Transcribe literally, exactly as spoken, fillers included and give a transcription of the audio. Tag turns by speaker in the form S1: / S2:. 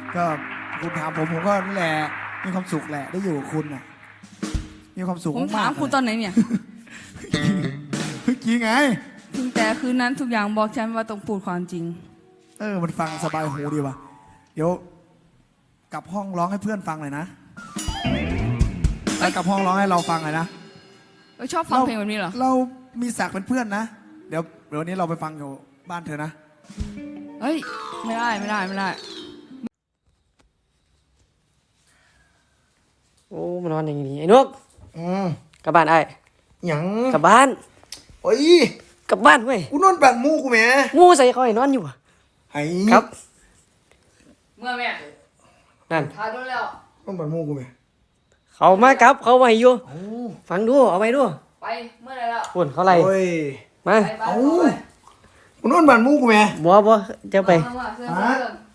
S1: ก็คุณถามผมผมก็นั่นแหละมีความสุขแหละได้อยู่กับคุณน่ะมีความสุข
S2: ผมถามคุณตอนไหนเนี่ย
S1: เมื่อกี้ไง
S2: ถึงแต่คืนนั้นทุกอย่างบอกฉันว่าต้องพูดความจริง
S1: เออมันฟังสบายหูดีว่ะเดี๋ยวกลับห้องร้องให้เพื่อนฟังหน่อยนะแล้วกลับห้องร้องให้เราฟังหน่อยนะ
S2: เออชอบฟังเพลงแบบนี้เหรอ
S1: เรามีศักดิ์เป็นเพื่อนนะเดี๋ยวเดี๋ยววันนี้เราไปฟังอยู่บ้านเธอนะ
S2: เฮ้ยไม่ได้ไม่ได้ไม่ได้
S3: โอ้มันนอนอย่างนี้ไอ้นุก
S1: อืม
S3: กลับบ้านไอ้
S1: หยัง
S3: กลับบ้าน
S1: โอ้ย
S3: กลับบ้านเว้ย
S1: กูนอนแบบมูกูแหม
S3: งูใส่คอยนอนอยู่อะ
S1: ไอ้
S3: ครับ
S2: เมื่อแม่
S3: นั่น
S2: ทาโดนแล้ว
S1: นอนแบบมูกูแหม
S3: เขามาครับเขามาอยู่
S1: โอ้
S3: ฟังดูเอาไปดู
S2: ไปเมื่อไรแล้ว
S3: พุ่นเขาไล่
S1: โอ้ย
S3: มา
S2: ไปไป
S1: เอ้า
S2: ไป
S1: กูนอนแบบมูกูแหม
S3: บัวบัวจะไป
S2: มามาเสื้อเสื้อ